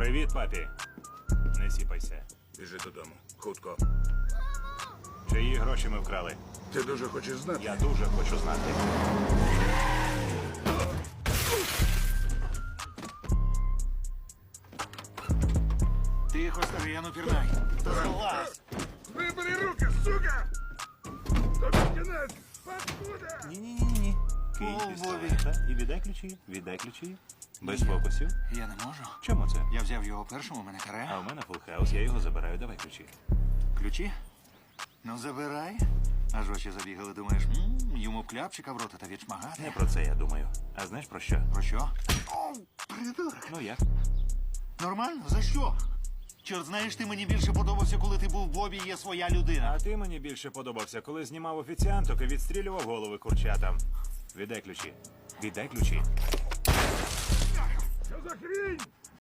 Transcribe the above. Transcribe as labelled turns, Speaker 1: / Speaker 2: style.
Speaker 1: Привіт, папі. Не сіпайся.
Speaker 2: Біжи додому. Хутко.
Speaker 1: Чиї гроші ми вкрали?
Speaker 2: Ти дуже хочеш знати?
Speaker 1: Я дуже хочу знати.
Speaker 3: Тихо, старий, я ну пірнай. Залазь!
Speaker 2: Вибери руки, сука! Тобі кінець! Паскуда!
Speaker 1: Ні-ні-ні. Кинь
Speaker 3: О,
Speaker 1: пістолета і віддай ключі. Віддай ключі. Без фокусів.
Speaker 3: Я не можу.
Speaker 1: Чому це?
Speaker 3: Я взяв його першим, у мене каре.
Speaker 1: А в мене фулхаус, я його забираю. Давай ключі.
Speaker 3: Ключі? Ну, забирай. Аж очі забігали, думаєш, йому б кляпчика в рота та відшмагати.
Speaker 1: Не про це я думаю. А знаєш про що?
Speaker 3: Про що? О, придурок.
Speaker 1: Ну як?
Speaker 3: Нормально? За що? Чорт, знаєш, ти мені більше подобався, коли ти був в Бобі, є своя людина.
Speaker 1: А ти мені більше подобався, коли знімав офіціанток і відстрілював голови курчатам. Віддай ключі. Віддай ключі.
Speaker 2: Що за хрінь?